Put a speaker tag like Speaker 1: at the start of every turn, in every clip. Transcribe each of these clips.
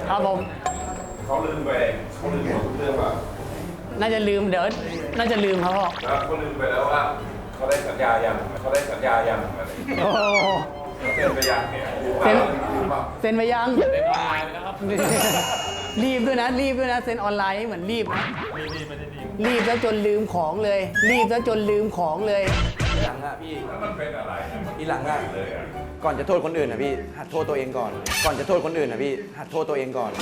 Speaker 1: ครับผม
Speaker 2: เขาลืมหมดทุกเรื่องว่า
Speaker 1: น่าจะลืมเดี๋ยวน่าจะลืมครับพ่อ
Speaker 2: แล้วเขาลืมไปแล้วว่าเขาได้สัญญายังอะไร
Speaker 1: โอ้
Speaker 2: เซ็นไปยังเนี่ย
Speaker 1: เซ็นไปยัง
Speaker 3: เซ็นออนไลน์นะครับ
Speaker 1: รีบด้วยนะเซ็นออนไลน์เหมือนรีบนะ
Speaker 3: รีบไม่ได้รีบ
Speaker 1: รีบแล้วจนลืมของเลย
Speaker 4: ทีหลังอะพี่
Speaker 2: แล้วมันเป็นอะไร
Speaker 4: ทีหลังอะก่อนจะโทษคนอื่นอะพี่หัดโทษตัวเองก่อนหัดโทษตัวเองก่อน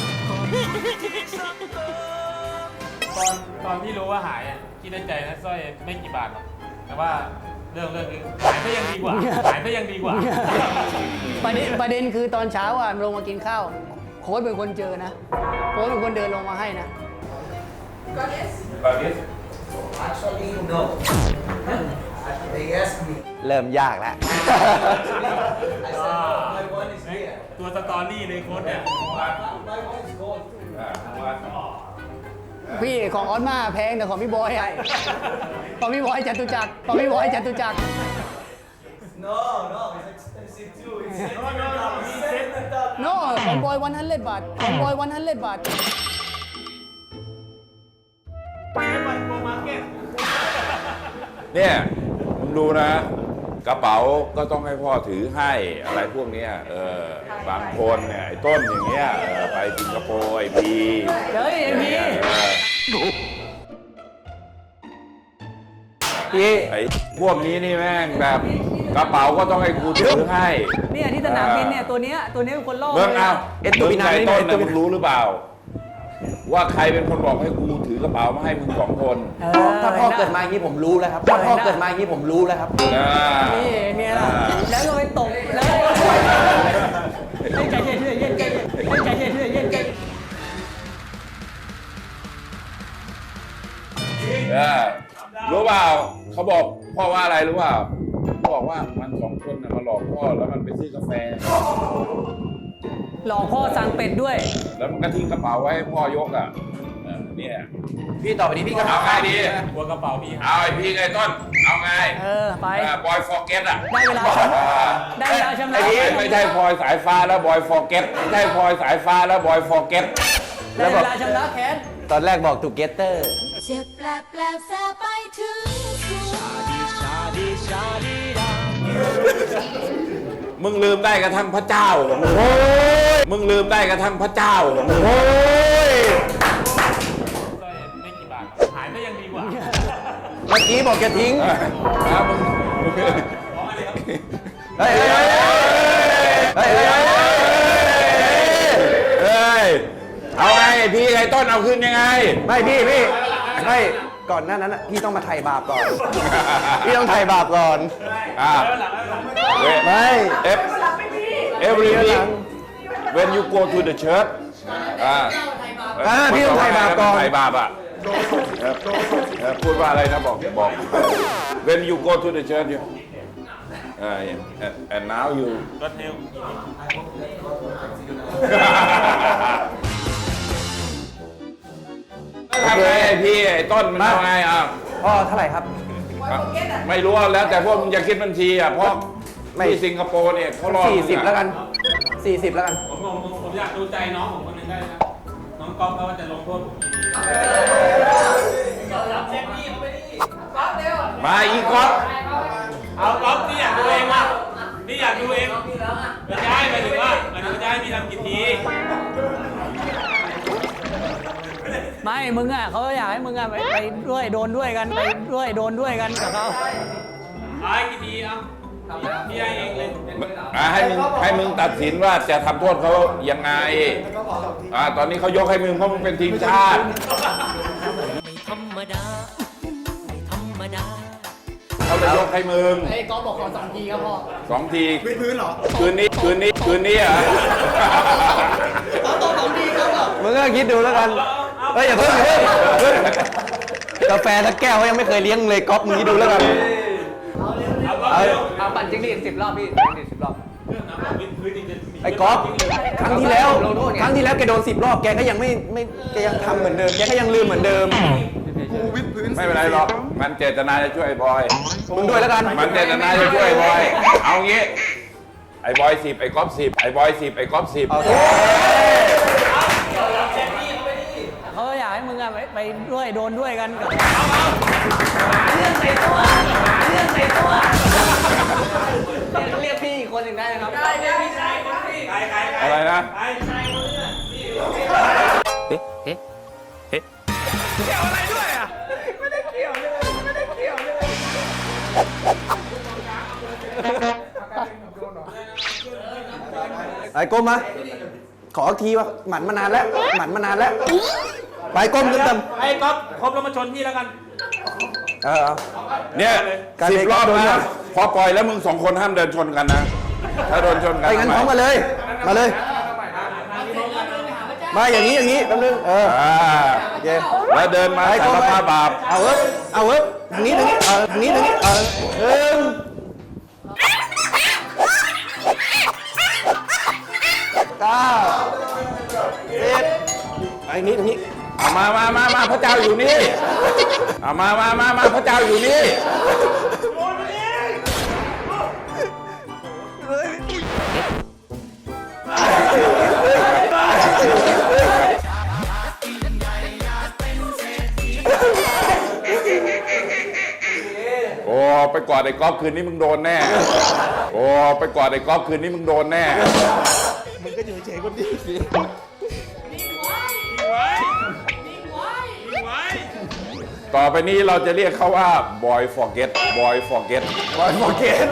Speaker 3: ตอนที่รู้ว่าหายอ่ะคิดในใจนะสร้อยไม่กี่บาทหรอกแต่ว่าเรื่องคือหายก็ยังดีกว่า
Speaker 1: ประเด็นคือตอนเช้าอ่ะลงมากินข้าวโค้ชเป็นคนเจอนะโค้ชเป็นคนเดินลงมาให้นะ
Speaker 2: บาริส
Speaker 5: Actually, no. They asked me.
Speaker 4: เริ่มยากแล้ว
Speaker 5: I said, my one is here.
Speaker 3: ตัวสตอรี่ในโค้ดเนี่ย
Speaker 5: My one is gold.
Speaker 1: พี่ของออสมาแพงแต่ของพี่บอยอ่ะของพี่บอยจตุจักร
Speaker 5: No, it's expensive too. It's $700.
Speaker 1: no ของบอย100 บาท
Speaker 3: มันโปรมาร์เก็ต
Speaker 2: เนี่ยมึงดูนะ กระเป๋าก็ต้องให้พ่อถือให้อะไรพวกเนี้ยบางคนเนี่ยไอ้ต้นอย่างเงี้ยไปสิงคโปร์ไอ้พี
Speaker 1: เฮ้ยไอ้พี่
Speaker 4: พี่
Speaker 2: ไอ้พวกนี้นี่แม่งแบบกระเป๋าก็ต้องให้กูถือให้
Speaker 1: เนี่ยที่สนามบินเนี่ยตัวเนี้ยเป็นคนล่อ
Speaker 2: เมื่อ
Speaker 1: เลย
Speaker 2: เอา
Speaker 4: ตัวปีนา
Speaker 2: ไอ้
Speaker 4: นี่
Speaker 2: ต้น
Speaker 4: ตัว
Speaker 2: นะมึงรู้หรือเปล่า ว่าใครเป็นคนบอกให้กูถือกระเป๋ามาให้มึง2 คน
Speaker 4: ถ้าพ่อเกิดมาอย่างนี้ผมรู้แล้วครับถ้าพ่อเกิดมาอย่างนี้ผมรู้แล้วครับ
Speaker 1: นี่เนี่ยล่ะแล้วก็ไปตกแล้วใจเย็น
Speaker 2: รู้เปล่าเขาบอกพ่อว่าอะไรรู้เปล่าเขาบอกว่ามัน2 คนน่ะมาหลอกพ่อแล้วมันไปซื้อกาแฟ
Speaker 1: หลอกพ่อสั่งเป็ดด้วย
Speaker 2: แล้วมันก็ทิ้งกระเป๋าไว้ให้พ่อยกอ่ะเนี่ย
Speaker 4: พี่ต่อไปนี้พี่ก็
Speaker 2: เอาไงดี
Speaker 3: หัวกระเป๋าพี่หาย
Speaker 2: เอาไอ้พี่ไอ้ต้นเอาไง
Speaker 1: ไป
Speaker 2: บอยฟอร์เก็ตอ่ะ
Speaker 1: ได้เวลาชำระ
Speaker 2: ไม่ใช่พลอยสายฟ้าแล้วบอยฟอร์เก็ตไม่ใช่พลอยสายฟ้าแล้วบอยฟอร์เก็ต
Speaker 1: ได้เวลาชำระแค้น
Speaker 4: ตอนแรกบอกทูเกเตอร์
Speaker 6: เจ็บแปลบแสบไปถึงหัว
Speaker 2: มึงลืมได้กระทั่งพระเจ้าเหรอมึงลืมได้กระทั่งพระเจ้าเหรอ
Speaker 3: สร้อยไม่กี่บาทหรอกหายก็ยังดีกว่า
Speaker 4: เมื่อกี้บอกจะทิ้ง
Speaker 2: มึง
Speaker 4: เฮ้ย
Speaker 2: เอาไงพี่ไอ้ต้นเอาขึ้นยังไง
Speaker 4: ไม่พี่ไม่ก่อนหน้านั้นพี่ต้องมาไถ่บาปก่อน พี่ต้องไถ่บาปก่อน ไม่
Speaker 2: every week when you go to the church
Speaker 4: พี่ต้องไถ่บาปก่อน
Speaker 2: ไถ่บาปอ่ะพูดว่าอะไรนะบอก when you go to the church you and now you
Speaker 3: รถเร็ว
Speaker 2: ทำไงพี่ไอ้ต้นมันทำไงอ่ะ
Speaker 4: พ่อเท่าไหร่ครับ
Speaker 2: ไม่รู้แล้วแต่พวกมึงจะคิดบัญชีอ่ะเพราะ
Speaker 4: ไม่
Speaker 2: ที่สิงคโปร์เนี่ยเขารอ
Speaker 4: 40แล้วกัน40แล้วกัน
Speaker 3: ผมอยากดูใจน้องผมคนนึงได้นะน้องก๊อฟเขาว่าจะลงโทษผมกี่ที
Speaker 2: มาอีกก๊อฟ
Speaker 3: เอาก๊อฟนี่อยากดูเองว่ะนี่อยากดูเองไม่ใช่หมายถึงว่าจะให้พี่ทำกี่ที
Speaker 1: ไม่มึงอ่ะเขาอยากให้มึงอ่ะไปด้วยโดนด้วยกันกับเขา
Speaker 3: เอาให้กี่ทีเอาพี่ให้เองเลย
Speaker 2: ให้มึงตัดสินว่าจะทำโทษเขายังไงตอนนี้เขายกให้มึงเพราะมึงเป็นทีมชาติ
Speaker 6: ไม่ธรรมดา
Speaker 2: เขาจะยกให้มึง
Speaker 1: ไอ้ก๊อฟบอกขอ2 ทีครับพ่อ
Speaker 2: 2 ทีพื้นเหรอคืนนี้เหรอ
Speaker 1: 2 ทีครับ
Speaker 4: มึงก็คิดดูแล้วกันเฮ้ยอย่าเพิ่งกาแฟสักแก้วเขายังไม่เคยเลี้ยงเลยก๊อฟมึงคิดดูแล้วกัน
Speaker 1: เอาปั่นจิ้งหรีด10 รอบพี่10 รอบ
Speaker 4: ไอ้ก๊อฟครั้งที่แล้วแกโดน10 รอบแกก็ยังไม่แกยังทำเหมือนเดิมแกก็ยังลืมเหมือนเดิม
Speaker 2: ไม่เป็นไรหรอกมันเจตนาจะช่วยไอ้บอย
Speaker 4: มึงด้วยแล้วกัน
Speaker 2: มันเจตนาจะช่วยไอ้บอยเอางี้ไอ้บอย10ไอ้ก๊อฟ10ไอ้บอย10ไอ้ก๊อฟ10
Speaker 1: ด้วยโดนด้วยกันกับ
Speaker 4: เรื่องใส่ตัวเรื่องใส่ตัวเรียกพี่อีกคนหนึ่งได้นะครับได้เรียกพี่ชายคนพี่
Speaker 2: อะไรนะ
Speaker 4: ไปก้มมาขออีกทีว่าหมันมานานแล้วหมันมานานแล้วไปก้มเต็ม
Speaker 3: ไอ้ก๊อฟครบแล้วมาชนพี่แล้วกัน
Speaker 4: เออ
Speaker 2: เนี่ย
Speaker 4: การ
Speaker 2: 10
Speaker 4: เล่น
Speaker 2: รอบ
Speaker 4: โดน
Speaker 2: นะพอปล่อยแล้วมึง2 คนห้ามเดินชนกันนะ ถ้าโดนชนกัน
Speaker 4: ไปงั้นพร้อมกันเลยมาเลยมาอย่างนี้แป๊บนึงโอเค
Speaker 2: แล้วเดินมา
Speaker 4: ไป
Speaker 2: สา
Speaker 4: ก้ม
Speaker 2: ร
Speaker 4: ไป
Speaker 2: ภาพบาป
Speaker 4: เอาเว้ยทางนี้ทางนี้หนึ่ง9 10ไปนี้ทางนี้
Speaker 2: เอามาพระเจ้าอยู่นี่เอามาพระเจ้าอยู่นี่ โอ้ไปกอดไอ้ก๊อฟคืนนี้มึงโดนแน่ โอ้ไปกอดไอ้ก๊อฟคืนนี้มึงโดนแน่ ต่อไปนี้เราจะเรียกเขาว่า boy forget boy forget boy forget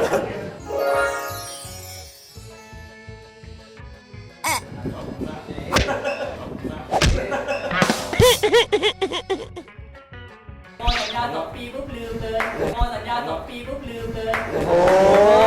Speaker 5: พอสัญญา2 ปีปุ๊บลืมเลยพอสัญญา2 ปีปุ๊บลืมเลย
Speaker 4: โอ้